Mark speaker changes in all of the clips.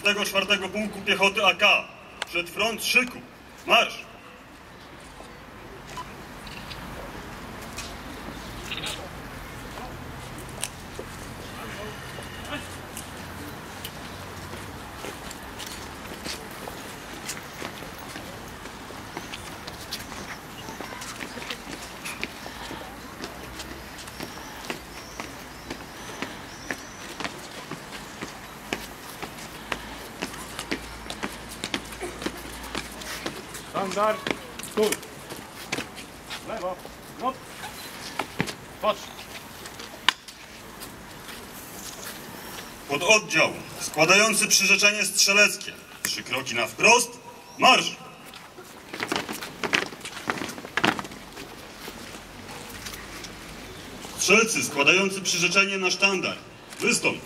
Speaker 1: 34 Pułku Piechoty AK. Przed front szyku. Marsz!
Speaker 2: Sztandar, stój! Lewo, no! Patrz!
Speaker 1: Pododdział składający przyrzeczenie strzeleckie. 3 kroki na wprost. Marsz! Strzelcy składający przyrzeczenie na sztandar. Wystąp!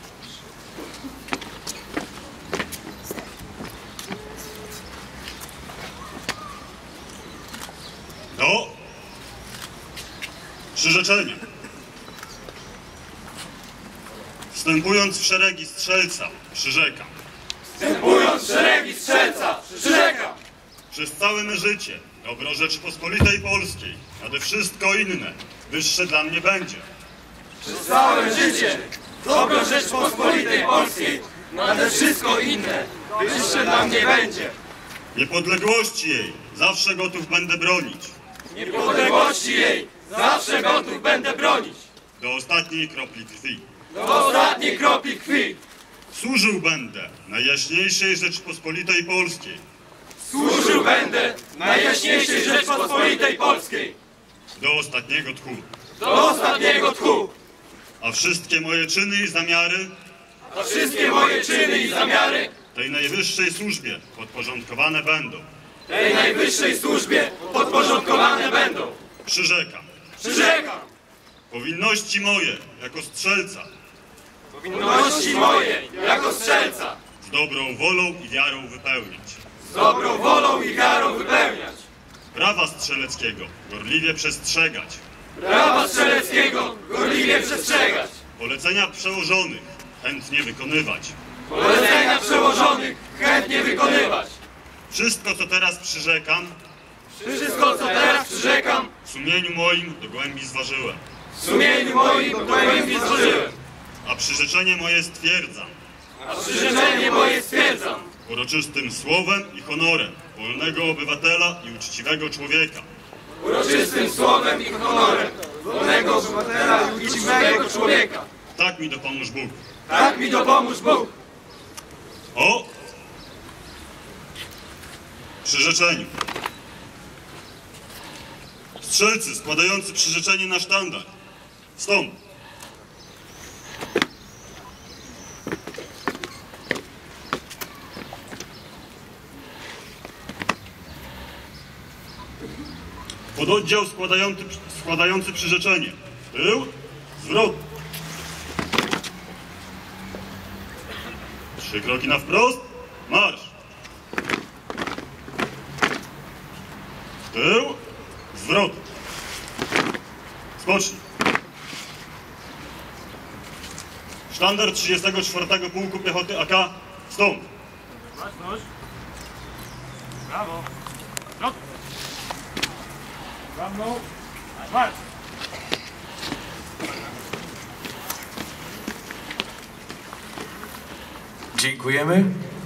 Speaker 1: Do przyrzeczenia. Wstępując w szeregi strzelca, przyrzekam.
Speaker 3: Wstępując w szeregi strzelca, przyrzekam.
Speaker 1: Przez całe me życie dobro Rzeczypospolitej Polskiej, nade wszystko inne, wyższe dla mnie będzie.
Speaker 3: Przez całe życie dobro Rzeczypospolitej Polskiej, nade wszystko inne, wyższe dla mnie będzie.
Speaker 1: Niepodległości jej zawsze gotów będę bronić.
Speaker 3: Niepodległości jej zawsze gotów będę bronić.
Speaker 1: Do ostatniej kropli krwi.
Speaker 3: Do ostatniej kropli krwi.
Speaker 1: Służył będę Najjaśniejszej Rzeczypospolitej Polskiej.
Speaker 3: Służył będę Najjaśniejszej Rzeczypospolitej Polskiej.
Speaker 1: Do ostatniego tchu.
Speaker 3: Do ostatniego tchu.
Speaker 1: A wszystkie moje czyny i zamiary
Speaker 3: A wszystkie moje czyny i zamiary
Speaker 1: tej najwyższej służbie podporządkowane będą.
Speaker 3: tej najwyższej służbie podporządkowane będą.
Speaker 1: Przyrzekam.
Speaker 3: Przyrzekam.
Speaker 1: Powinności moje jako strzelca
Speaker 3: Powinności moje jako strzelca
Speaker 1: z dobrą wolą i wiarą wypełniać.
Speaker 3: z dobrą wolą i wiarą wypełniać.
Speaker 1: Prawa strzeleckiego gorliwie przestrzegać.
Speaker 3: Prawa strzeleckiego gorliwie przestrzegać.
Speaker 1: Polecenia przełożonych chętnie wykonywać.
Speaker 3: Polecenia przełożonych chętnie wykonywać.
Speaker 1: Wszystko, co teraz przyrzekam,
Speaker 3: Wszystko, co teraz przyrzekam,
Speaker 1: w sumieniu moim do głębi zważyłem.
Speaker 3: w sumieniu moim do głębi złożyłem.
Speaker 1: A przyrzeczenie moje stwierdzam
Speaker 3: A przyrzeczenie moje stwierdzam
Speaker 1: uroczystym słowem i honorem wolnego obywatela i uczciwego człowieka.
Speaker 3: uroczystym słowem i honorem wolnego obywatela i uczciwego człowieka.
Speaker 1: Tak mi dopomóż Bóg.
Speaker 3: Tak mi dopomóż Bóg.
Speaker 1: O przyrzeczeniu. Strzelcy składający przyrzeczenie na sztandar. Wstąp. Pododdział składający przyrzeczenie. Tył, zwrot. 3 kroki na wprost. Marsz. Tył, zwrot. Skocznij. Sztandar 34 Pułku Piechoty AK. Wstąp.
Speaker 2: Baczność! Brawo! Zwrot! Za mną! Marsz!
Speaker 4: Dziękujemy.